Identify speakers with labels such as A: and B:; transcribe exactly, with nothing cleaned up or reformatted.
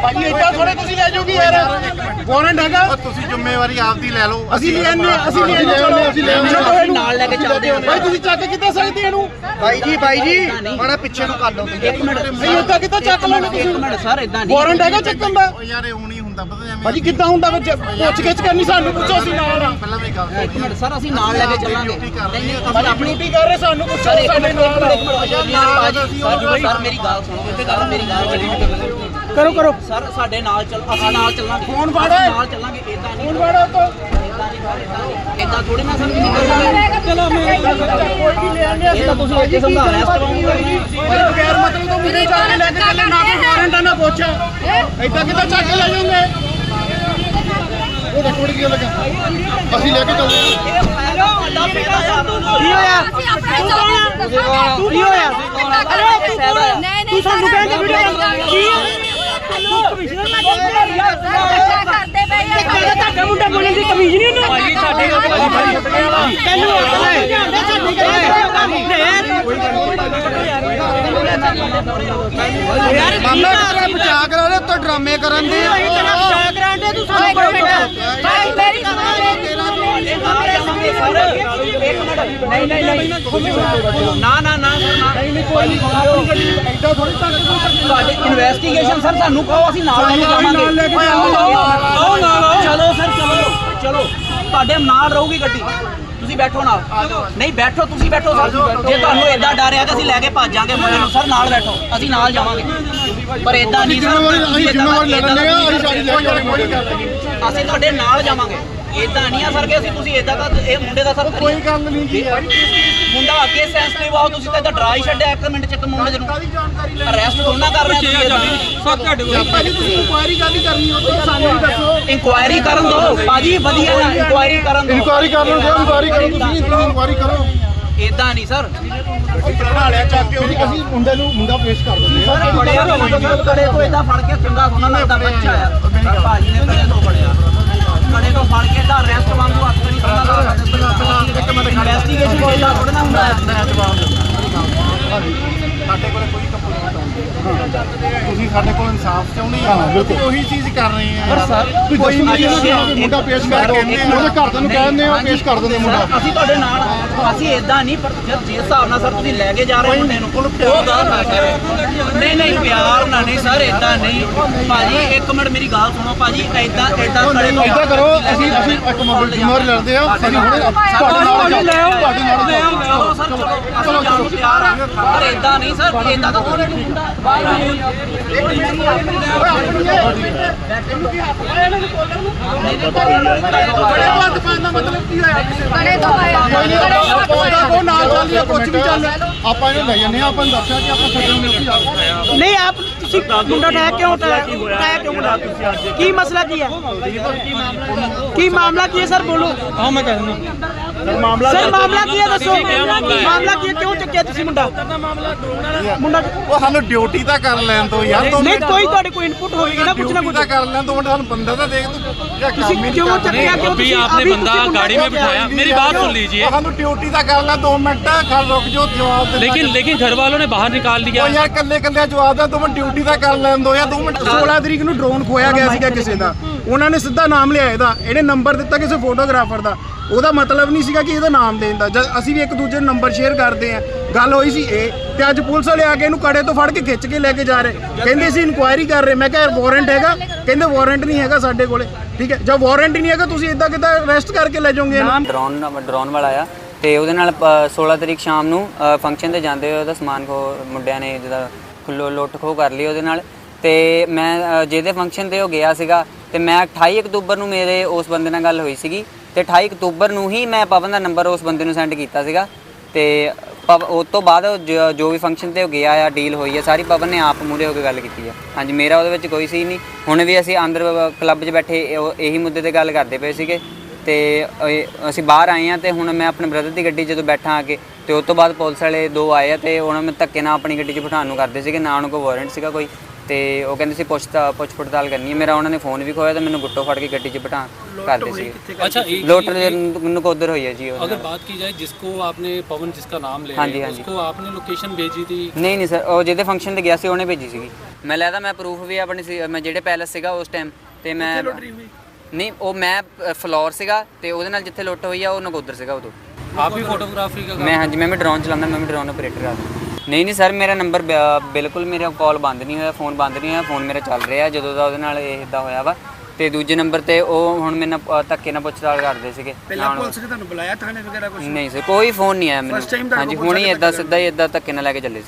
A: ਭਾਜੀ ਇੱਦਾਂ ਥੋੜੇ ਤੁਸੀਂ ਲੈ ਜਾਓਗੇ ਯਾਰ ਵਾਰੰਟ ਹੈਗਾ
B: ਤੁਸੀਂ ਜ਼ਿੰਮੇਵਾਰੀ ਆਪਦੀ ਲੈ ਲਓ
A: ਅਸੀਂ ਲੈਣੇ ਅਸੀਂ ਲੈਣੇ ਚਲੋ ਅਸੀਂ ਲੈਣੇ
C: ਨਾਲ ਲੈ ਕੇ ਚੱਲਦੇ ਹਾਂ
A: ਭਾਈ ਤੁਸੀਂ ਚੱਕ ਕਿੱਦਾਂ ਸਕਦੇ ਇਹਨੂੰ
B: ਬਾਈ ਜੀ ਬਾਈ ਜੀ ਮਾੜਾ ਪਿੱਛੇ ਨੂੰ ਕਰ ਲਓ
C: ਇੱਕ ਮਿੰਟ
A: ਨਹੀਂ ਇੱਦਾਂ ਕਿੱਦਾਂ ਚੱਕ ਲੈਣੇ ਤੁਸੀਂ
C: ਇੱਕ ਮਿੰਟ ਸਰ ਇਦਾਂ ਨਹੀਂ
A: ਵਾਰੰਟ ਹੈਗਾ ਚੱਕਣ ਦਾ
B: ਯਾਰ ਇਹ ਹੁਣ ਹੀ ਹੁੰਦਾ ਪਤਾ ਐਵੇਂ
A: ਭਾਜੀ ਕਿੱਦਾਂ ਹੁੰਦਾ ਵਿੱਚ ਪੁੱਛ ਗਿੱਛ ਕਰਨੀ ਸਾਨੂੰ ਪੁੱਛੋ ਅਸੀਂ ਨਾਲ ਆ
B: ਪਹਿਲਾਂ ਵੀ ਗੱਲ
C: ਇੱਕ ਮਿੰਟ ਸਰ ਅਸੀਂ ਨਾਲ ਲੈ ਕੇ ਚੱਲਾਂਗੇ ਨਹੀਂ ਨਹੀਂ ਅਸੀਂ ਆਪਣੀ
A: ਡਿਊਟੀ ਕਰ ਰਹੇ ਸਾਨੂੰ ਪੁੱਛੋ ਸਾਡੇ ਨਾਲ
C: ਸਰ ਮੇਰੀ ਗੱਲ ਸੁਣੋ ਇੱਥੇ ਗੱਲ ਮੇਰੀ ਗੱਲ
A: ਕਰੋ ਕਰੋ
C: ਸਰ ਸਾਡੇ ਨਾਲ ਚੱਲ ਅਸੀਂ ਨਾਲ ਚੱਲਾਂਗੇ
A: ਫੋਨ ਫੜੋ
C: ਨਾਲ ਚੱਲਾਂਗੇ ਇਦਾਂ ਨਹੀਂ
A: ਫੋਨ ਫੜੋ ਤੋਂ
C: ਇਦਾਂ ਥੋੜੀ ਨਾ ਸਰ ਚਲੋ ਮੈਂ
A: ਕੋਈ ਵੀ ਲੈ ਆਂਦੇ
C: ਇਹ ਤਾਂ ਤੁਸੀਂ ਇੱਥੇ ਸਮਝਾ ਰਹੇ
A: ਭਾਈ ਬਗੈਰ ਮਤਲਬ ਤੋਂ ਮੁੰਡੇ ਚੱਕ ਕੇ ਲੈ ਕੇ ਚੱਲੇ ਨਾ ਕੋਈ ਵਾਰੰਟ ਨਾ ਪੁੱਛ ਏਦਾਂ ਕਿੱਦਾਂ ਚੱਕ ਕੇ ਲੈ ਜਾਓਗੇ ਉਹ ਥੋੜੀ ਜਿਹੀ ਲੱਗਾ ਅਸੀਂ ਲੈ ਕੇ ਚੱਲਦੇ ਹਾਂ
C: ਕੀ ਹੋਇਆ
D: ਤੂੰ ਕੀ ਹੋਇਆ ਅਰੇ ਤੂੰ ਸਾਨੂੰ ਕਹਿੰਦੇ ਵੀਡੀਓ ਕੀ ਤੂੰ ਕਮਿਸ਼ਨਰ ਨਾਲ ਕਰਦੇ ਪਏ ਆ ਤੁਹਾਡਾ ਮੁੰਡਾ ਬੋਲਣ ਦੀ ਕਮਿਸ਼ਨ ਨਹੀਂ ਉਹਨੂੰ ਭਾਈ ਸਾਡੇ ਤੈਨੂੰ ਯਾਰ
B: ਮਾਮਲਾ ਤੇਰਾ ਬਚਾ ਕਰਾ ਲੈ ਉੱਤੇ ਡਰਾਮੇ ਕਰਨ ਦੇ
D: ਤੇਰਾ ਬਚਾ ਕਰਾਂਦੇ ਤੂੰ ਸਾਨੂੰ ਭਾਈ ਮੇਰੀ
C: ਨਹੀਂ ਨਹੀਂ ਨਹੀਂ ਨਾ ਨਾ ਨਾ
A: ਨਹੀਂ ਕੋਈ ਨਹੀਂ ਏਦਾਂ ਥੋੜੀ ਚੱਕ
C: ਤੁਹਾਡੇ ਇਨਵੈਸਟੀਗੇਸ਼ਨ ਸਰ ਸਾਨੂੰ ਕਹੋ ਅਸੀਂ ਨਾਲ ਲੈ ਕੇ ਜਾਵਾਂਗੇ
A: ਨਾਲ ਲੈ ਕੇ ਜਾਓ
C: ਚਲੋ ਸਰ ਚਲੋ ਚਲੋ ਤੁਹਾਡੇ ਨਾਲ ਰਹੂਗੀ ਗੱਡੀ ਤੁਸੀਂ ਬੈਠੋ ਨਾਲ ਨਹੀਂ ਬੈਠੋ ਤੁਸੀਂ ਬੈਠੋ ਸਰ ਜੇ ਤੁਹਾਨੂੰ ਏਦਾਂ ਡਰ ਆ ਕਿ ਅਸੀਂ ਲੈ ਕੇ ਭੱਜ ਜਾਾਂਗੇ ਮੁੰਡੇ ਨੂੰ ਸਰ ਨਾਲ ਬੈਠੋ ਅਸੀਂ ਨਾਲ ਜਾਵਾਂਗੇ ਪਰ ਏਦਾਂ ਨਹੀਂ ਸਰ
B: ਅਸੀਂ ਜ਼ਿੰਮੇਵਾਰੀ ਲੈ ਲੈਂਦੇ ਆ ਅਸੀਂ ਸਾਰੀ ਲੈ ਕੇ
C: ਅਸੀਂ ਤੁਹਾਡੇ ਨਾਲ ਜਾਵਾਂਗੇ ਏਦਾਂ ਨਹੀਂ ਆ ਸਰ ਕਿ ਅਸੀਂ ਤੁਸੀਂ ਏਦਾਂ ਦਾ ਇਹ ਮੁੰਡੇ ਦਾ ਸਰ
A: ਕੋਈ ਗੱਲ ਨਹੀਂ ਜੀ
C: ਮੁੰਡਾ ਅੱਗੇ ਸੈਂਸਿਟਿਵ ਆਓ ਤੁਸੀਂ ਤਾਂ ਏਦਾਂ ਡਰਾ ਹੀ ਛੱਡਿਆ ਇੱਕ ਮਿੰਟ ਚ ਇੱਕ ਮੁੰਡੇ ਨੂੰ ਅਰੈਸਟ ਦੋਨਾਂ ਕਰ ਰਹੇ ਤੁਸੀਂ
A: ਸਭ ਤੁਹਾਡੇ ਕੋਲ ਭਾਜੀ ਤੁਸੀਂ ਇਨਕੁਆਇਰੀ ਗੱਲ ਹੀ ਕਰਨੀ ਉਹ ਤਾਂ ਸਾਨੂੰ ਵੀ ਦੱਸੋ
C: ਇਨਕੁਆਇਰੀ ਕਰਨ ਦਿਓ ਭਾਜੀ ਵਧੀਆ ਇਨਕੁਆਇਰੀ ਕਰਨ ਦਿਓ
B: ਇਨਕੁਆਇਰੀ ਕਰ ਲਓ ਇਨਕੁਆਇਰੀ ਕਰੋ ਤੁਸੀਂ ਇਨਕੁਆਇਰੀ ਕਰੋ
C: ਏਦਾਂ ਨਹੀਂ ਸਰ
A: ਬਣਾ ਲਿਆ ਚੱਕ ਕੇ ਉਹਦੀ ਅਸੀਂ ਮੁੰਡੇ ਨੂੰ ਮੁੰਡਾ ਪੇਸ਼ ਕਰ ਦਿੰਦੇ
C: ਸਰ ਬੜਿਆ ਕੜੇ ਤੋਂ ਏਦਾਂ ਫੜ ਕੇ ਚੰਗਾ ਸੋਨਾ ਲੱਗਦਾ ਬੱਚਾ ਆ ਭਾਜੀ ਨੇ ਕੜੇ ਤੋਂ ਫੜਿਆ ਕੜੇ ਤੋਂ ਫੜ ਕੇ ਤਾਂ ਅਰੈਸਟ ਵਾਂਗੂ ਹੱਥ ਨਹੀਂ ਕਰਨਾ ਇਨਵੈਸਟੀਗੇਸ਼ਨ ਕੋਈ ਦਾ ਥੋੜਾ ਨਾ ਹੁੰਦਾ
B: ਸਾਡੇ ਕੋਲ ਕੋਈ ਕੰਪਲੇਂਟ ਨਹੀਂ ਤੁਸੀਂ ਸਾਡੇ ਕੋਲ ਇਨਸਾਫ ਚਾਹੁੰਦੇ ਆ ਅਸੀਂ ਉਹੀ ਚੀਜ਼ ਕਰ ਰਹੇ ਆ
A: ਪਰ ਸਰ ਕੋਈ ਮੁੰਡਾ ਪੇਸ਼ ਕਰ ਉਹਦੇ ਘਰਦਿਆਂ ਨੂੰ ਕਹਿੰਦੇ ਆ ਪੇਸ਼ ਕਰ ਦਿੰਦੇ ਮੁੰਡਾ
C: ਅਸੀਂ ਤੁਹਾਡੇ ਨਾਲ ਅਸੀਂ ਏਦਾਂ ਨਹੀਂ ਪਰ ਜਿਸ ਹਿਸਾਬ ਨਾਲ ਸਰ ਤੁਸੀਂ ਲੈ ਕੇ ਜਾ ਰਹੇ ਮੁੰਡੇ ਨੂੰ ਉਹ ਗੱਲ ਨਾ ਕਰ ਨਹੀਂ ਨਹੀਂ ਪਿਆਰ ਨਾਲ ਨਹੀਂ ਸਰ ਏਦਾਂ ਨਹੀਂ ਭਾਜੀ ਇੱਕ ਮਿੰਟ ਮੇਰੀ ਗੱਲ ਸੁਣੋ ਭਾਜੀ ਏਦਾਂ ਏਦਾਂ ਕਰੇ
B: ਏਦਾਂ ਕਰੋ ਅਸੀਂ ਅਸੀਂ ਇੱਕ ਮੋਬਾਈਲ ਜ਼ਿੰਮੇਵਾਰੀ ਲੈਂਦੇ ਆ ਅਸੀਂ ਹੁਣੇ ਤੁਹਾਡੇ ਨਾਲ ਲੈ ਆਓ ਤੁਹਾਡੇ ਨਾਲ ਲੈ ਆਓ
C: ਚਲੋ ਸਰ ਚਲੋ ਅਸੀਂ ਜਾਣ ਨੂੰ ਤਿਆਰ ਆ ਪਰ ਏਦਾਂ ਨਹੀਂ ਸਰ ਏਦਾਂ ਤਾਂ ਕੋਈ ਨਹੀਂ ਹੁੰਦਾ
A: ਬੜੇ ਬੰਦ ਪਾਣ ਦਾ ਮਤਲਬ ਕੀ ਹੋਇਆ
D: ਬੜੇ ਤੋਂ ਆਇਆ
A: ਉਹ ਨਾਲ ਚੱਲ ਰਿਹਾ ਕੁਝ ਵੀ ਚੱਲ
B: ਆਪਾਂ ਇਹਨੂੰ ਲੈ ਜੰਨੇ ਆਪਾਂ ਨੂੰ ਦੱਸਿਆ ਕਿ ਆਪਾਂ ਛੱਡਣ ਨੂੰ ਉੱਥੇ ਜਾ
E: ਨਹੀਂ ਆਪ ਤੁਸੀਂ ਮੁੰਡਾ ਉਠਾਇਆ ਕਿਉਂ ਉਠਾਇਆ ਉਠਾਇਆ ਕਿਉਂ ਮੁੰਡਾ ਕੀ ਮਸਲਾ ਕੀ ਹੈ ਕੀ ਮਾਮਲਾ ਕੀ ਹੈ ਸਰ ਬੋਲੋ
A: ਹਾਂ ਮੈਂ ਕਹਿ ਦਿੰਦਾ ਮਾਮਲਾ
E: ਸਰ ਮਾਮਲਾ ਕੀ ਹੈ ਦੱਸੋ ਮਾਮਲਾ ਕੀ ਹੈ ਕਿਉਂ ਚੱਕਿਆ ਤੁਸੀਂ ਮੁੰਡਾ ਮੁੰਡਾ
B: ਉਹ ਸਾਨੂੰ ਡਿਊਟੀ ਤਾਂ ਕਰ ਲੈਣ ਦੋ ਯਾਰ ਦੋ
E: ਨਹੀਂ ਕੋਈ ਤੁਹਾਡੇ ਕੋਈ ਇਨਪੁਟ ਹੋਵੇਗੀ ਨਾ ਕੁਛ ਨਾ ਕੁਛ
B: ਤਾਂ ਕਰ ਲੈਣ ਦੋ ਮਿੰਟ ਸਾਨੂੰ ਬੰਦਾ ਤਾਂ ਦੇਖ ਤੂੰ
E: ਤੁਸੀਂ ਕਿਉਂ ਚੱਕਿਆ ਕਿਉਂ
F: अभी
E: ਤੁਸੀਂ
F: आपने बंदा गाड़ी में बिठाया मेरी बात सुन लीजिए
B: ਸਾਨੂੰ ਡਿਊਟੀ ਤਾਂ ਕਰ ਲੈ ਦੋ ਮਿੰਟ ਖੜ ਰੁਕ ਜਾਓ ਜਵਾਬ ਦੇ
F: लेकिन लेकिन घर वालों ने बाहर निकाल दिया
B: ਉਹ ਯਾਰ ਕੱਲੇ ਕੱਲੇ ਜਵਾਬ ਦਾ ਦੋ ਮਿੰਟ ਡਿਊਟੀ ਤਾਂ ਕਰ ਲੈਣ ਦੋ ਯਾਰ ਦੋ ਮਿੰਟ
A: ਸੋਲਾਂ ਤਰੀਕ ਨੂੰ ਡਰੋਨ ਖੋਇਆ ਗਿਆ ਸੀਗਾ ਕਿਸੇ ਦਾ ਉਹਨਾਂ ਨੇ ਸਿੱਧਾ ਨਾਮ ਲਿਆ ਇਹਦਾ ਇਹਨੇ ਨੰਬਰ ਦਿੱਤਾ ਕਿਸੇ ਫੋਟੋਗ੍ਰਾਫਰ ਦਾ ਉਹਦਾ ਮਤਲਬ ਨਹੀਂ ਸੀਗਾ ਕਿ ਇਹਦਾ ਨਾਮ ਦੇਣ ਦਾ ਜਦ ਅਸੀਂ ਵੀ ਇੱਕ ਦੂਜੇ ਨੂੰ ਨੰਬਰ ਸ਼ੇਅਰ ਕਰਦੇ ਆ ਗੱਲ ਹੋਈ ਸੀ ਇਹ ਤੇ ਅੱਜ ਪੁਲਿਸ ਵਾਲੇ ਆ ਕੇ ਇਹਨੂੰ ਕੜੇ ਤੋਂ ਫੜ ਕੇ ਖਿੱਚ ਕੇ ਲੈ ਕੇ ਜਾ ਰਹੇ ਕਹਿੰਦੇ ਅਸੀਂ ਇਨਕੁਆਇਰੀ ਕਰ ਰਹੇ ਮੈਂ ਕਿਹਾ ਵਾਰੰਟ ਹੈਗਾ ਕਹਿੰਦੇ ਵਾਰੰਟ ਨਹੀਂ ਹੈਗਾ ਸਾਡੇ ਕੋਲੇ ਠੀਕ ਹੈ ਜਦ ਵਾਰੰਟ ਹੀ ਨਹੀਂ ਹੈਗਾ ਤੁਸੀਂ ਇਦਾਂ ਕਿੱਦਾਂ ਅਰੈਸਟ ਕਰਕੇ ਲੈ ਜਾਓਗੇ
G: ਡਰੋਨ ਡਰੋਨ ਵਾਲਾ ਆ ਤੇ ਉਹਦੇ ਨਾਲ ਸੋਲਾਂ ਤਰੀਕ ਸ਼ਾਮ ਨੂੰ ਫੰਕਸ਼ਨ ਤੇ ਜਾਂਦੇ ਹੋਏ ਉਹਦਾ ਸਮਾਨ ਖੋ ਮੁੰਡਿਆਂ ਨੇ ਜਿਹਦਾ ਖੁੱਲੋ ਲੁੱਟ ਖੋ ਕਰ ਲਈ ਉਹਦੇ ਨਾਲ ਤੇ ਮੈਂ ਜਿਹਦੇ ਫੰਕਸ਼ਨ ਤੇ ਉਹ ਗਿਆ ਸੀਗਾ ਤੇ ਮੈਂ ਅਠਾਈ ਅਕਤੂਬਰ ਨੂੰ ਮੇਰੇ ਉਸ ਬੰਦੇ ਨਾਲ ਗੱਲ ਹੋਈ ਸੀਗੀ ਤੇ ਅਠਾਈ ਅਕਤੂਬਰ ਨੂੰ ਹੀ ਮੈਂ ਪਵਨ ਦਾ ਨੰਬਰ ਉਸ ਬੰਦੇ ਨੂੰ ਸੈਂਡ ਕੀਤਾ ਸੀਗਾ ਤੇ ਉਸ ਤੋਂ ਬਾਅਦ ਜੋ ਵੀ ਫੰਕਸ਼ਨ ਤੇ ਉਹ ਗਿਆ ਆ ਡੀਲ ਹੋਈ ਆ ਸਾਰੀ ਪਵਨ ਨੇ ਆਪ ਮੂਹਰੇ ਹੋ ਕੇ ਗੱਲ ਕੀਤੀ ਆ ਹਾਂਜੀ ਮੇਰਾ ਉਹਦੇ ਵਿੱਚ ਕੋਈ ਸੀ ਨਹੀਂ ਹੁਣ ਵੀ ਅਸੀਂ ਅੰਦਰ ਕਲੱਬ 'ਚ ਬੈਠੇ ਇਹੀ ਮੁੱਦੇ ਤੇ ਗੱਲ ਕਰਦੇ ਪਏ ਸੀਗੇ ਤੇ ਅਸੀਂ ਬਾਹਰ ਆਏ ਆ ਤੇ ਹੁਣ ਮੈਂ ਆਪਣੇ ਬ੍ਰਦਰ ਦੀ ਗੱਡੀ ਜਦੋਂ ਬੈਠਾ ਆ ਕੇ ਤੇ ਉਸ ਤੋਂ ਬਾਅਦ ਪੁਲਿਸ ਵਾਲੇ ਦੋ ਆਏ ਆ ਤੇ ਉਹਨਾਂ ਨੂੰ ਧੱਕੇ ਨਾਲ ਆਪਣੀ ਗੱਡੀ 'ਚ ਬਿਠਾਉਣ ਨੂੰ ਕਰਦੇ ਸੀਗੇ ਨਾ ਉਹਨਾਂ ਕੋਲ ਵਾਰੰਟ ਸੀਗਾ ਕੋਈ ਤੇ ਉਹ ਕਹਿੰਦੇ ਸੀ ਪੁੱਛ ਪੁੱਛ ਪੜਤਾਲ ਕਰਨੀ ਹੈ ਮੇਰਾ ਉਹਨਾਂ ਨੇ ਫੋਨ ਵੀ ਖੋਇਆ ਤੇ ਮੈਨੂੰ ਗੁੱਟੋ ਫੜ ਕੇ ਗੱਡੀ 'ਚ ਬਿਠਾ ਕਰਦੇ ਸੀ
F: अच्छा एक
G: ਲੋਟ ਨਕੋਦਰ ਹੋਈ ਹੈ ਜੀ ਉਹ
F: अगर बात की जाए जिसको आपने पवन जिसका नाम ले
G: हाँ जी,
F: रहे हैं,
G: हाँ जी।
F: उसको आपने लोकेशन भेजी थी
G: ਨਹੀਂ ਨਹੀਂ ਸਰ ਉਹ ਜਿਹਦੇ ਫੰਕਸ਼ਨ ਤੇ ਗਿਆ ਸੀ ਉਹਨੇ ਭੇਜੀ ਸੀਗੀ ਮੈਂ ਲੈਦਾ ਮੈਂ ਪ੍ਰੂਫ ਵੀ ਆਪਣੀ ਸੀ ਮੈਂ ਜਿਹੜੇ ਪੈਲਸ ਸੀਗਾ ਉਸ ਟਾਈਮ ਤੇ ਮੈਂ ਨਹੀਂ ਉਹ ਮੈਂ ਅ, ਫਲੋਰ ਸੀਗਾ ਤੇ ਉਹਦੇ ਨਾਲ ਜਿੱਥੇ ਲੁੱਟ ਹੋਈ ਆ ਉਹ ਨਗੋਦਰ ਸੀਗਾ ਉਦੋਂ
F: आप भी फोटोग्राफी का
G: ਮੈਂ ਹਾਂਜੀ ਮੈਂ ਵੀ ਡਰੋਨ ਚਲਾਉਂਦਾ ਮੈਂ ਵੀ ਡਰੋਨ ਆਪਰੇਟਰ ਆ ਨਹੀਂ ਨਹੀਂ ਸਰ ਮੇਰਾ ਨੰਬਰ ਬਿਲਕੁਲ ਮੇਰਾ ਕਾਲ ਬੰਦ ਨਹੀਂ ਹੋਇਆ ਫੋਨ ਬੰਦ ਨਹੀਂ ਹੋਇਆ ਫੋਨ ਮੇਰਾ ਚੱਲ ਰਿਹਾ ਜਦੋਂ ਦਾ ਉਹਦੇ ਨਾਲ ਇਹ ਇਦਾਂ ਹੋਇਆ ਵਾ ਤੇ ਦੂਜੇ ਨੰਬਰ ਤੇ ਉਹ ਹੁਣ ਮੇਰੇ ਨਾਲ ਧੱਕੇ ਨਾਲ ਪੁੱਛਤਾਲ ਕਰਦੇ ਸੀਗੇ
E: ਪਹਿਲਾਂ ਪੁਲਿਸ ਨੇ ਤੁਹਾਨੂੰ ਬੁਲਾਇਆ ਥਾਣੇ ਵਗੈਰਾ ਕੁਝ
G: ਨਹੀਂ ਸਰ ਕੋਈ ਫੋਨ ਨਹੀਂ ਆਇਆ ਮੈਨੂੰ ਹਾਂਜੀ ਹੁਣ ਹੀ ਇਦਾਂ ਸਿੱਧਾ ਹੀ ਇਦਾਂ ਧੱਕੇ ਨਾਲ ਲੈ ਕੇ ਚੱਲੇ ਸੀ